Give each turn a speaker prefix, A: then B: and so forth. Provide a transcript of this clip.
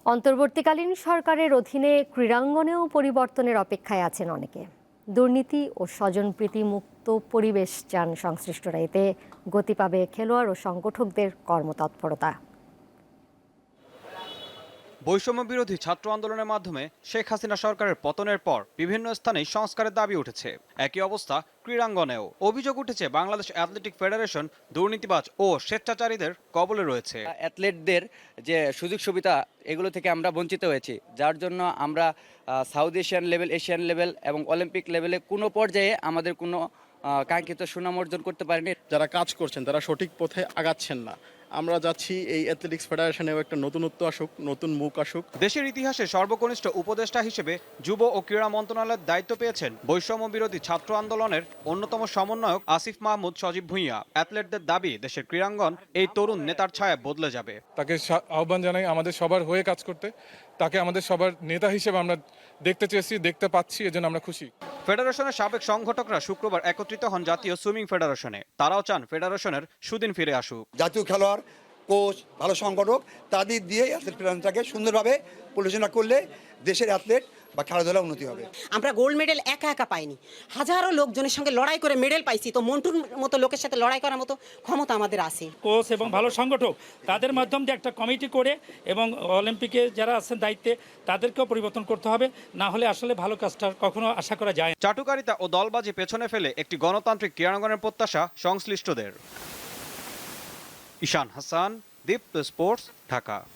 A: অন্তর্বর্তীকালীন সরকারের অধীনে ক্রীড়াঙ্গনেও পরিবর্তনের অপেক্ষায় আছেন অনেকে। দুর্নীতি ও স্বজনপ্রীতি মুক্ত পরিবেশ চান সংশ্লিষ্টরা। এতে গতি পাবে খেলোয়াড় ও সংগঠকদের কর্মতৎপরতা।
B: বৈষম্য বিরোধী ছাত্র আন্দোলনের মাধ্যমে শেখ হাসিনা সরকারের পতনের পর বিভিন্ন স্থানে সংস্কারের দাবি উঠেছে। একই অবস্থা ক্রীড়াঙ্গনেও। অভিযোগ উঠেছে বাংলাদেশ অ্যাথলেটিক ফেডারেশন দুর্নীতিবাজ ও স্বেচ্ছাচারীদের কবলে রয়েছে।
C: অ্যাথলেটদের যে সুযোগ সুবিধা এগুলো থেকে আমরা বঞ্চিত হয়েছি, যার জন্য আমরা south Asian level, Asian level এবং অলিম্পিক লেভেলে কোনো পর্যায়ে আমাদের কোনো কাঙ্ক্ষিত সুনাম অর্জন করতে পারেনি।
D: যারা কাজ করছেন তারা সঠিক পথে আগাচ্ছেন না। আমরা যাচ্ছি এই অ্যাথলেটিক্স ফেডারেশনেও একটা নতুনত্ব আসুক, নতুন মুখ আসুক।
B: দেশের ইতিহাসে সর্বকনিষ্ঠ উপদেষ্টা হিসেবে যুব ও ক্রীড়া মন্ত্রণালয়ের দায়িত্ব পেয়েছেন বৈষম্য বিরোধী ছাত্র আন্দোলনের অন্যতম সমন্বয়ক আসিফ মাহমুদ সজীব ভুঁইয়া। অ্যাথলেটদের দাবি দেশের ক্রীড়াঙ্গন এই তরুণ নেতার ছায়া বদলে যাবে।
E: তাকে আহ্বান জানাই আমাদের সবার হয়ে কাজ করতে। তাকে আমাদের সবার নেতা হিসেবে আমরা দেখতে চেয়েছি, দেখতে পাচ্ছি, এজন্য আমরা খুশি।
B: ফেডারেশনের সাবেক সংগঠকরা শুক্রবার একত্রিত হন জাতীয় সুইমিং ফেডারেশনে। তারাও চান ফেডারেশনের সুদিন ফিরে আসুক।
F: জাতীয় খেলোয়াড়, কোচ, ভালো সংগঠক তাদের দিয়ে অ্যাথলেট ফেডারেশনটাকে সুন্দরভাবে পরিচালনা করলে দেশের অ্যাথলেট বা খেলাধুলা উন্নতি হবে।
G: আমরা গোল্ড মেডেল একা একা পাইনি, হাজারো লোকজনের সঙ্গে লড়াই করে মেডেল পাইছি। তো মন্টুর মতো লোকের সাথে লড়াই করার মতো ক্ষমতা আমাদের আছে।
H: কোচ এবং ভালো সংগঠক তাদের মাধ্যম দিয়ে একটা কমিটি করে এবং অলিম্পিকে যারা আছেন দায়িত্বে তাদেরকেও পরিবর্তন করতে হবে, না হলে আসলে ভালো কাজটা কখনো আশা করা যায় না।
B: চাটুকারিতা ও দলবাজি পেছনে ফেলে একটি গণতান্ত্রিক ক্রীড়াঙ্গনের প্রত্যাশা সংশ্লিষ্টদের। ঈশান হাসান, দীপ্ত স্পোর্টস, ঢাকা।